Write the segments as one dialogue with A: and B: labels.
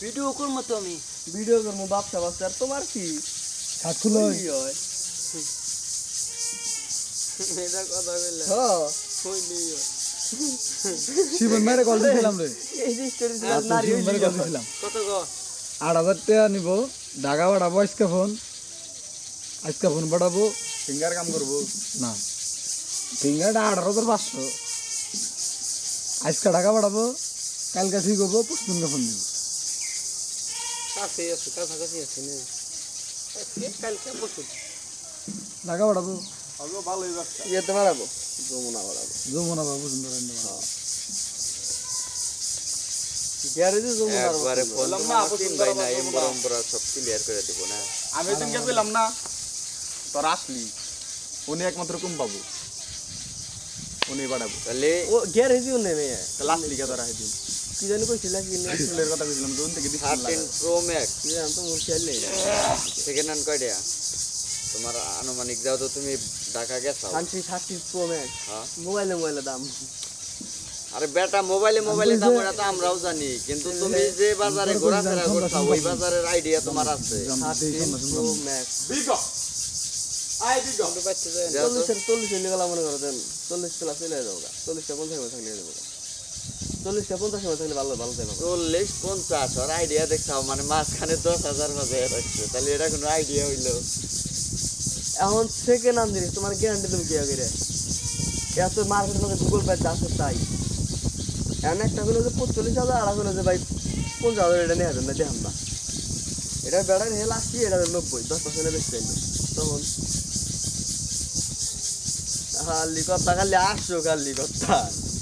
A: Video করবো তো আমি
B: ভিডিও করবো ব্যবসা বাচ্চা আর তোমার কি
C: সাতগুলো
B: কি হয়
A: এটা কথা বললে
B: হ্যাঁ
A: হইলেই হয়।
C: শিবন মেরে কল দিয়েছিলাম রে
B: এই যে স্টোরি
C: রাতে শিবন মেরে কল দিয়েছিলাম
A: কত গ
C: 8,000 টাকা নিব ঢাকা পাঠাবো আজকে ফোন পাঠাবো
D: ফিঙ্গার কাম করবো
C: না ফিঙ্গারটা 18,500 আজকে ঢাকা পাঠাবো কালকে ঠিক হবো পুষ্পিনকে ফোন দিব
A: কাছে আছে কাছাকাছি আছে না আজকে কালকে পরশু
C: ঢাকা পাঠাবো
D: আগে ভালোই ব্যবসা
B: যেতে পারাবো যমুনা বাড়াবো
C: যমুনা বাবু সুন্দর
B: গ্যারেজে যমুনা
A: একবারে ফোন
D: বললাম না, আপু
A: তিন
D: সুন্দর
A: ভাই না
D: আবার
A: এম্বর এম্বর সব ক্লিয়ার করে দেব না
D: আমি দিনকে পেলাম না তোর আসলি উনি একমাত্র কম পাবো উনি বাড়াবো
A: তাহলে
B: ও গ্যারেজেও নেমে
D: তাহলে আসলি কে তোরা সেদিন
B: কি জানি কইছিল কি না
D: ফুলের কথা বলছিলাম দুন থেকে ডিসপ্লে
A: 13 প্রো ম্যাক্স
B: কি জানি তো মোর খেয়াল নেই
A: সেকেন্ড হ্যান্ড কয়টা তোমার আনুমানিক যাও তো তুমি ঢাকা গেছো
B: 30 প্রো ম্যাক্স
A: হ্যাঁ
B: মোবাইলে দাম
A: আরে বেটা মোবাইলে দাম ওটা তো আমরাও জানি কিন্তু তুমি যে বাজারে ঘোরাফেরা করছো ওই বাজারের আইডিয়া তোমার আছে
B: 30 প্রো ম্যাক্স
D: বিগো আই বিগো
A: যাও তো।
B: 40 চলে গেল মনে করো দেন 40 প্লাস চলে যাবো 40টা 50 মতো থাকলে যাবো 40টা 50 মতো থাকলে ভালো ভালো দেবো
A: 40-50 আর আইডিয়া দেখছাও মানে মাঝখানে 10,000 মাঝে রাখছে তাহলে এটা কোনো আইডিয়া হইলো
B: এখন সেকেন্ড হ্যান্ড জিনিস তোমার গ্যারান্টি তুমি কি আগে রে এত মার্কেটের মধ্যে গুগল পে আছে তাই এখন একটা হলো যে 45,000 আর হলো যে ভাই 50,000 এটা নিয়ে আসবেন না দেখাম না এটা বেড়ার হেল আসছি এটা 90 10% বেশি চাইলো তখন খালি কথা খালি আসছো খালি কথা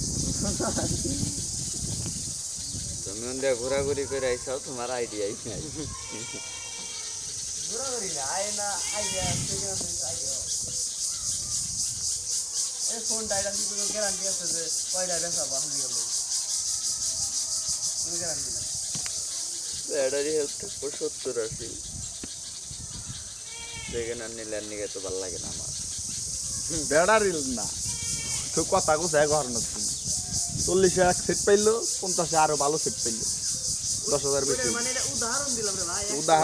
A: তুমি ওন্ডা ঘোরাঘুরি করে আইছাও তোমার আইডিয়াই নাই
B: ঘোরাঘুরি না আয় না আইডিয়া সেকেন্ড আইডিয়া এই ফোনটা এটা কি কোনো গ্যারান্টি আছে যে কয়টা বেচাবো হালি গেল কোনো গ্যারান্টি না
A: ব্যাটারি হেলথ 70 আছে সেকেন্ড হ্যান্ড নিলে আর নিয়ে তো ভালো লাগে না আমার
D: বেড়া রিল না তো কথা কোথায় ঘর না 40 এক সেট পাইলো 50 আরো ভালো সেট পাইলো 10,000 বেশি
B: মানে এটা উদাহরণ দিলাম রে ভাই
D: উদাহরণ